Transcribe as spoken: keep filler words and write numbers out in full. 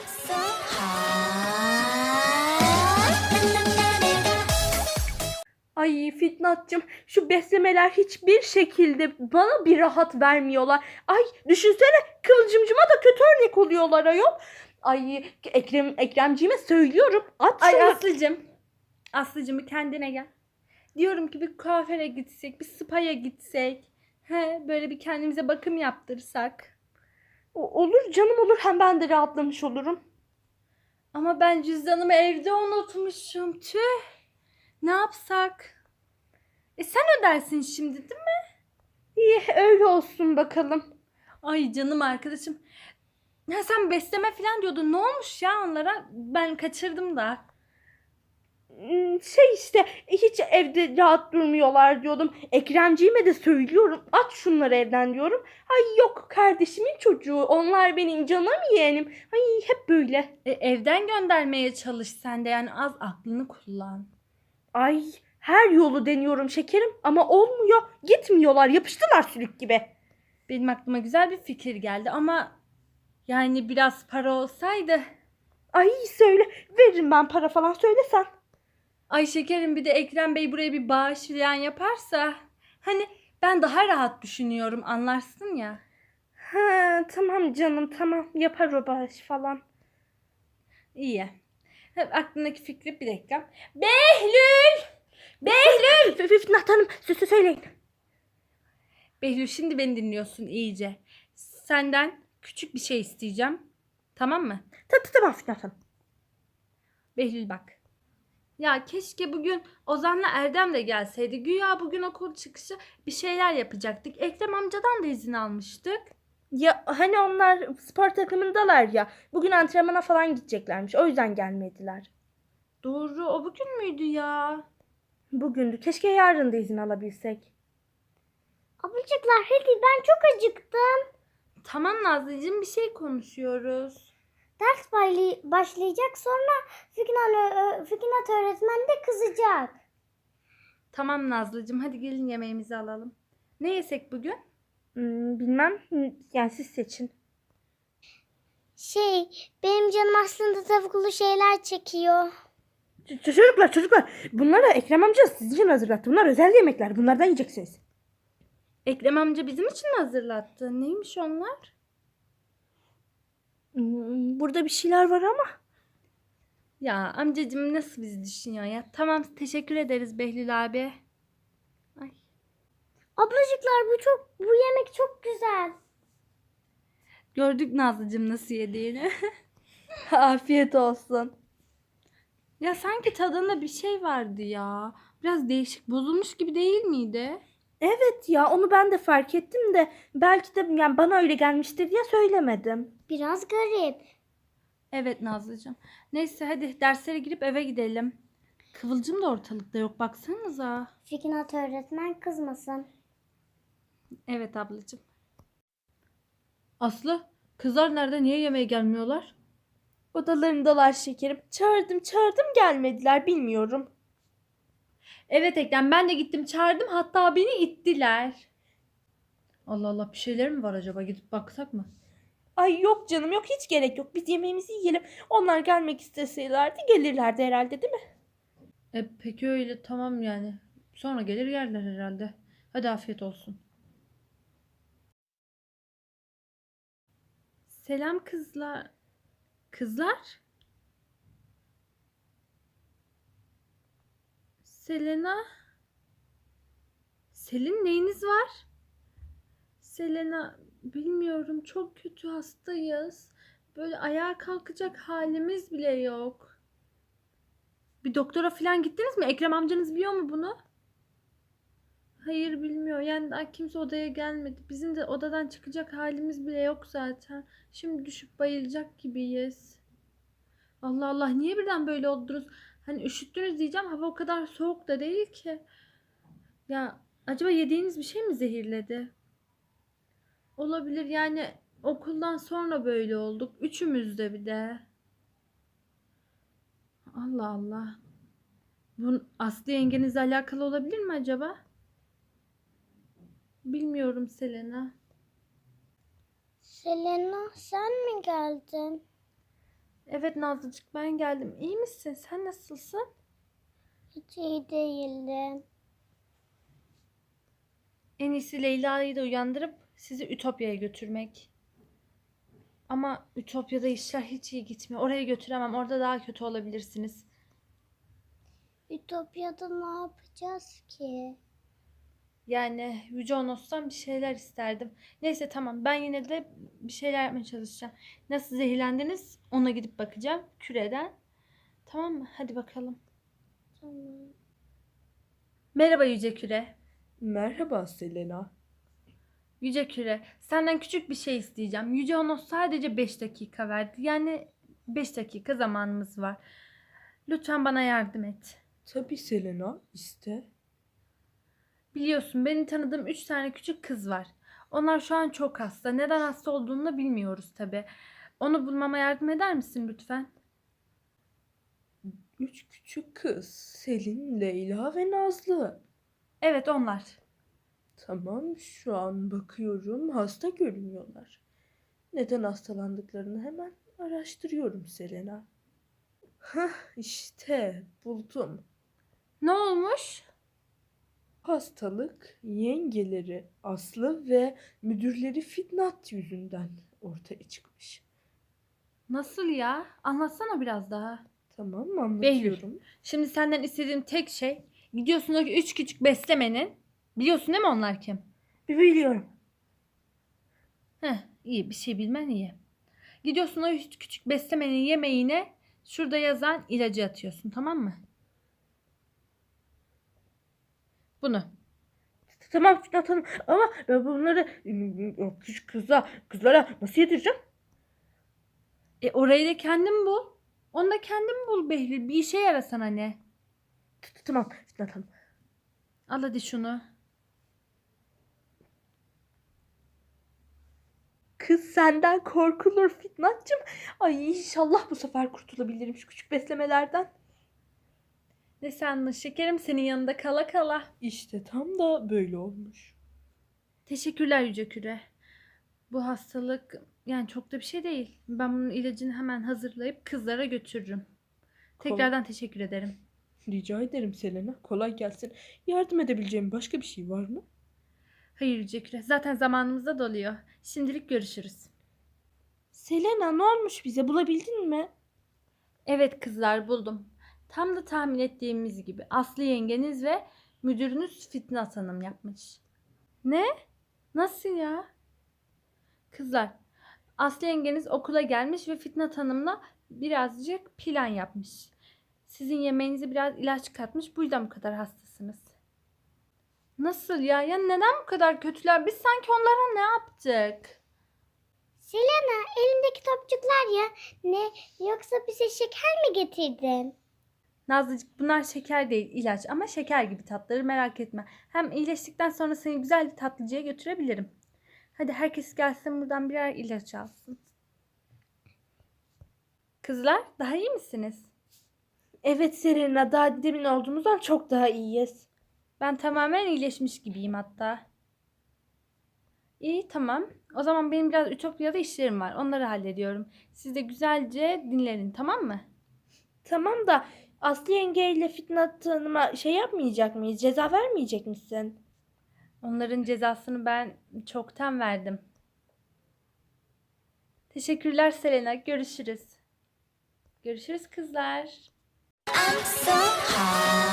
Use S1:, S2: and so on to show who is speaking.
S1: so hot.
S2: Ay Fitnatcığım, şu beslemeler hiçbir şekilde bana bir rahat vermiyorlar. Ay düşünsene, Kıvılcımcıma da kötü örnek oluyorlar ayol. Ay Ekrem, Ekremciğime söylüyorum. At
S3: Ay
S2: şunu.
S3: Aslı'cım. Aslı'cım bir kendine gel. Diyorum ki bir kuaföre gitsek, bir spa'ya gitsek. He, böyle bir kendimize bakım yaptırsak.
S2: O- olur canım, olur, hem ben de rahatlamış olurum.
S3: Ama ben cüzdanımı evde unutmuşum. Tüh. Ne yapsak? E sen ödersin şimdi değil mi?
S2: İyi, öyle olsun bakalım.
S3: Ay canım arkadaşım. Ya sen besleme falan diyordun. Ne olmuş ya onlara? Ben kaçırdım da.
S2: Hmm, Şey işte, hiç evde rahat durmuyorlar diyordum. Ekremciğime de söylüyorum. At şunları evden diyorum. Ay yok, kardeşimin çocuğu. Onlar benim canım yeğenim. Ay hep böyle.
S3: E, evden göndermeye çalış sen de, yani az aklını kullan.
S2: Ay her yolu deniyorum şekerim ama olmuyor. Gitmiyorlar, yapıştılar sülük gibi.
S3: Benim aklıma güzel bir fikir geldi ama yani biraz para olsaydı.
S2: Ay söyle, veririm ben para falan, söylesen.
S3: Ay şekerim, bir de Ekrem Bey buraya bir bağış falan yaparsa. Hani ben daha rahat düşünüyorum, anlarsın ya.
S2: Ha, tamam canım, tamam, yapar o bağış falan.
S3: İyi. Hep aklımdaki fikri bir dakika. Behlül! Behlül!
S2: F- Fitnat Hanım, sözü söyleyin.
S3: Behlül, şimdi beni dinliyorsun iyice. Senden küçük bir şey isteyeceğim. Tamam mı?
S2: Tabii tamam Fitnat Hanım.
S3: Behlül bak. Ya keşke bugün Ozan'la Erdem de gelseydi. Güya bugün okul çıkışı bir şeyler yapacaktık. Ekrem amcadan da izin almıştık.
S2: Ya hani onlar spor takımındalar ya. Bugün antrenmana falan gideceklermiş. O yüzden gelmediler.
S3: Doğru, o bugün müydü ya?
S2: Bugündü. Keşke yarın da izin alabilsek.
S1: Ablacıklar hadi, ben çok acıktım.
S3: Tamam Nazlıcığım, bir şey konuşuyoruz.
S1: Ders bayli- başlayacak, sonra Fiknat, ö- Fiknat öğretmen de kızacak.
S3: Tamam Nazlıcığım, hadi gelin yemeğimizi alalım. Ne yesek bugün?
S2: Hmm, bilmem. Yani siz seçin.
S1: Şey, benim canım aslında tavuklu şeyler çekiyor.
S2: Ç- Çocuklar çocuklar. Bunları Ekrem amca sizin için hazırlattı. Bunlar özel yemekler. Bunlardan yiyeceksiniz.
S3: Ekrem amca bizim için mi hazırlattı? Neymiş onlar?
S2: Hmm, Burada bir şeyler var ama.
S3: Ya amcacığım nasıl bizi düşünüyor ya? Tamam, teşekkür ederiz Behlül abi. Ay.
S1: Ablacıklar, bu çok bu yemek çok güzel.
S3: Gördük Nazlıcığım nasıl yediğini.
S2: Afiyet olsun.
S3: Ya sanki tadında bir şey vardı ya. Biraz değişik, bozulmuş gibi değil miydi?
S2: Evet ya, onu ben de fark ettim de belki de yani bana öyle gelmiştir diye söylemedim.
S1: Biraz garip.
S3: Evet Nazlıcığım. Neyse hadi derslere girip eve gidelim. Kıvılcım da ortalıkta yok, baksanıza.
S1: Fiknat öğretmen kızmasın.
S3: Evet ablacığım. Aslı, kızlar nerede? Niye yemeğe gelmiyorlar?
S2: Odalarındalar şekerim. Çağırdım çağırdım, gelmediler, bilmiyorum.
S3: Evet Ekrem, ben de gittim çağırdım, hatta beni ittiler. Allah Allah, bir şeyler mi var acaba, gidip baksak mı?
S2: Ay yok canım, yok, hiç gerek yok. Biz yemeğimizi yiyelim. Onlar gelmek isteselerdi gelirlerdi herhalde, değil mi?
S3: E peki öyle, tamam yani. Sonra gelir yerler herhalde. Hadi afiyet olsun. Selam kızlar. Kızlar? Selena? Selin, neyiniz var? Selena, bilmiyorum, çok kötü, hastayız. Böyle ayağa kalkacak halimiz bile yok. Bir doktora falan gittiniz mi? Ekrem amcanız biliyor mu bunu? Hayır, bilmiyor. Yani daha kimse odaya gelmedi. Bizim de odadan çıkacak halimiz bile yok zaten. Şimdi düşüp bayılacak gibiyiz. Allah Allah, niye birden böyle oldunuz? Hani üşüttünüz diyeceğim. Hava o kadar soğuk da değil ki. Ya acaba yediğiniz bir şey mi zehirledi? Olabilir, yani okuldan sonra böyle olduk. Üçümüz de bir de. Allah Allah. Bu Aslı yengenizle alakalı olabilir mi acaba? Bilmiyorum Selena.
S1: Selena, sen mi geldin?
S3: Evet Nazlıcık, ben geldim. İyi misin? Sen nasılsın?
S1: Hiç iyi değildim.
S3: En iyisi Leyla'yı da uyandırıp sizi Ütopya'ya götürmek. Ama Ütopya'da işler hiç iyi gitmiyor. Oraya götüremem. Orada daha kötü olabilirsiniz.
S1: Ütopya'da ne yapacağız ki?
S3: Yani Yüce Onos'tan bir şeyler isterdim. Neyse tamam, ben yine de bir şeyler yapmaya çalışacağım. Nasıl zehirlendiniz ona gidip bakacağım küreden. Tamam mı? Hadi bakalım.
S1: Tamam.
S3: Merhaba Yüce Küre.
S2: Merhaba Selena.
S3: Yüce Küre, senden küçük bir şey isteyeceğim. Yüce Onos sadece beş dakika verdi. Yani beş dakika zamanımız var. Lütfen bana yardım et.
S2: Tabii Selena, iste.
S3: Biliyorsun, benim tanıdığım üç tane küçük kız var. Onlar şu an çok hasta. Neden hasta olduğunu da bilmiyoruz tabii. Onu bulmama yardım eder misin lütfen?
S2: Üç küçük kız. Selin, Leyla ve Nazlı.
S3: Evet, onlar.
S2: Tamam, şu an bakıyorum. Hasta görünüyorlar. Neden hastalandıklarını hemen araştırıyorum Selena. Hah, işte buldum.
S3: Ne olmuş?
S2: Hastalık yengeleri Aslı ve müdürleri Fitnat yüzünden ortaya çıkmış.
S3: Nasıl ya? Anlatsana biraz daha.
S2: Tamam mı, anlatıyorum.
S3: Şimdi senden istediğim tek şey, gidiyorsun o üç küçük beslemenin. Biliyorsun değil mi onlar kim?
S2: Biliyorum.
S3: Heh, iyi, bir şey bilmen iyi. Gidiyorsun o üç küçük beslemenin yemeğine şurada yazan ilacı atıyorsun, tamam mı? Bunu.
S2: Tamam Fitnat Hanım, ama ben bunları ıı, o küçük kıza, kızlara nasıl yedireceğim?
S3: E orayı da kendin bul. Onu da kendin bul Behlül. Bir işe yarasana ne?
S2: Tamam Fitnat Hanım.
S3: Al hadi şunu.
S2: Kız senden korkulur Fitnatcığım. Ay inşallah bu sefer kurtulabilirim şu küçük beslemelerden.
S3: Ne sandın şekerim, senin yanında kala kala.
S2: İşte tam da böyle olmuş.
S3: Teşekkürler Yüce Küre. Bu hastalık yani çok da bir şey değil. Ben bunun ilacını hemen hazırlayıp kızlara götürürüm. Tekrardan teşekkür ederim.
S2: Rica ederim Selena. Kolay gelsin. Yardım edebileceğim başka bir şey var mı?
S3: Hayır Yüce Küre. Zaten zamanımız da doluyor. Şimdilik görüşürüz.
S2: Selena, ne olmuş bize? Bulabildin mi?
S3: Evet kızlar, buldum. Tam da tahmin ettiğimiz gibi Aslı yengeniz ve müdürünüz Fitnat Hanım yapmış. Ne? Nasıl ya? Kızlar, Aslı yengeniz okula gelmiş ve Fitnat Hanım'la birazcık plan yapmış. Sizin yemeğinize biraz ilaç katmış. Bu yüzden bu kadar hastasınız. Nasıl ya? Ya neden bu kadar kötüler? Biz sanki onlara ne yaptık?
S1: Selena, elindeki topçuklar ya. Ne? Yoksa bize şeker mi getirdin?
S3: Nazlıcık, bunlar şeker değil, ilaç, ama şeker gibi tatları, merak etme. Hem iyileştikten sonra seni güzel bir tatlıcıya götürebilirim. Hadi herkes gelsin buradan birer ilaç alsın. Kızlar, daha iyi misiniz?
S2: Evet Selena, daha demin olduğumuzdan çok daha iyiyiz.
S3: Ben tamamen iyileşmiş gibiyim hatta. İyi, tamam. O zaman benim biraz Ütopya'da işlerim var. Onları hallediyorum. Siz de güzelce dinlenin, tamam mı?
S2: Tamam da Aslı yengeyle Fitnat Hanım'a şey yapmayacak mıyız? Ceza vermeyecek misin?
S3: Onların cezasını ben çoktan verdim. Teşekkürler Selena. Görüşürüz. Görüşürüz kızlar.
S4: I'm so high.